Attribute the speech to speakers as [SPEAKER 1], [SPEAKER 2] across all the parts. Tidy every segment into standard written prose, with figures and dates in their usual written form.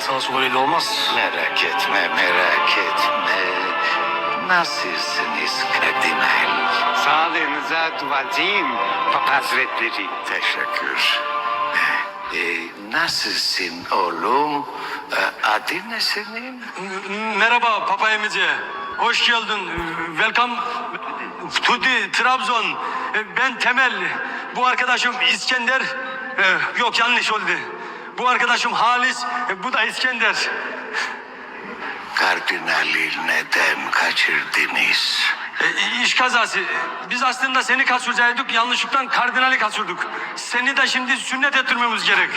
[SPEAKER 1] sağa sola belli olmaz.
[SPEAKER 2] Merak etme, merak etme. Nasılsınız kardinal?
[SPEAKER 3] Sağlığınıza duacıyım Papa Hazretleri.
[SPEAKER 2] Teşekkür. Nasılsın oğlum? Adın ne senin?
[SPEAKER 1] Merhaba Papa emici. Hoş geldin. Welcome to the Trabzon. Ben Temel. Bu arkadaşım İskender. Yok yanlış oldu. Bu arkadaşım Halis. Bu da İskender.
[SPEAKER 2] Kardinali neden kaçırdınız?
[SPEAKER 1] İş kazası. Biz aslında seni kaçıracaktık. Yanlışlıkla kardinali kaçırdık. Seni de şimdi sünnet ettirmemiz gerek.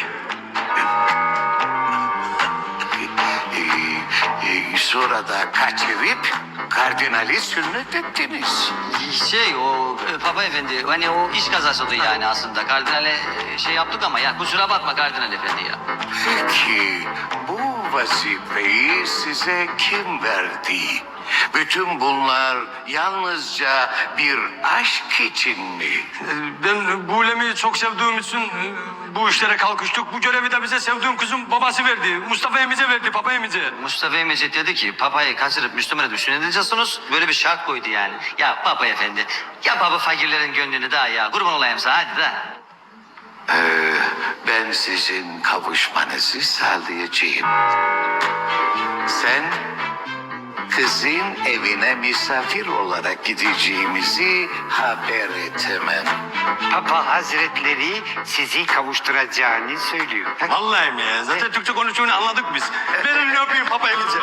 [SPEAKER 2] Sonra da kaçırıp kardinali sünnet ettiniz.
[SPEAKER 4] O Papa Efendi hani o iş kazası oldu yani aslında. Kardinale şey yaptık ama ya kusura bakma Kardinal Efendi ya.
[SPEAKER 2] Peki bu vazifeyi size kim verdi? Bütün bunlar yalnızca bir aşk için mi?
[SPEAKER 1] Ben Bulem'i çok sevdiğim için bu işlere kalkıştık. Bu görevi de bize sevdiğim kızım babası verdi. Mustafa emice verdi, Papa emice.
[SPEAKER 4] Mustafa Emecet dedi ki Papa'yı kaçırıp Müslüman'a düşün edeceksiniz. Böyle bir şart koydu yani. Ya Papa Efendi ya baba fakirlerin gönlünü daha ya kurban olayım sana hadi de.
[SPEAKER 2] Ben sizin kavuşmanızı sağlayacağım. Sen kızın evine misafir olarak gideceğimizi haber et hemen.
[SPEAKER 3] Papa Hazretleri sizi kavuşturacağını söylüyor.
[SPEAKER 1] Vallahi mi ya? Zaten Türkçe konuştuğunu anladık biz. Ben elini öpeyim Papa emice.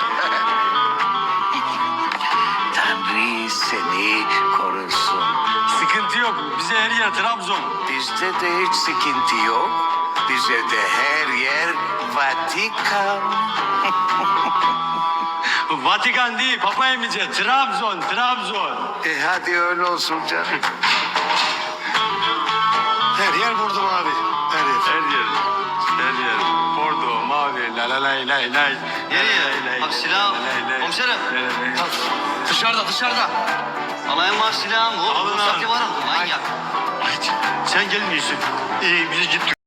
[SPEAKER 2] Tanrı seni korusun.
[SPEAKER 1] Sıkıntı yok. Bize her yer Trabzon.
[SPEAKER 2] Bizde de hiç sıkıntı yok. Bize de her yer Vatikan.
[SPEAKER 1] Vatikan değil Papa emice. Trabzon, Trabzon.
[SPEAKER 2] Hadi öyle olsun canım.
[SPEAKER 1] Her yer vurdum abi. Her yer. Her yer. Her yer. Bordo, mavi, la la lay lay lay.
[SPEAKER 4] Nereye? Abi silah. Komiserim.
[SPEAKER 1] Dışarıda, dışarıda.
[SPEAKER 4] Alayım var silahım.
[SPEAKER 1] Alın
[SPEAKER 4] Bu
[SPEAKER 1] abi.
[SPEAKER 4] var mı? Manyak.
[SPEAKER 1] Sen gelmiyorsun. Biz gittik.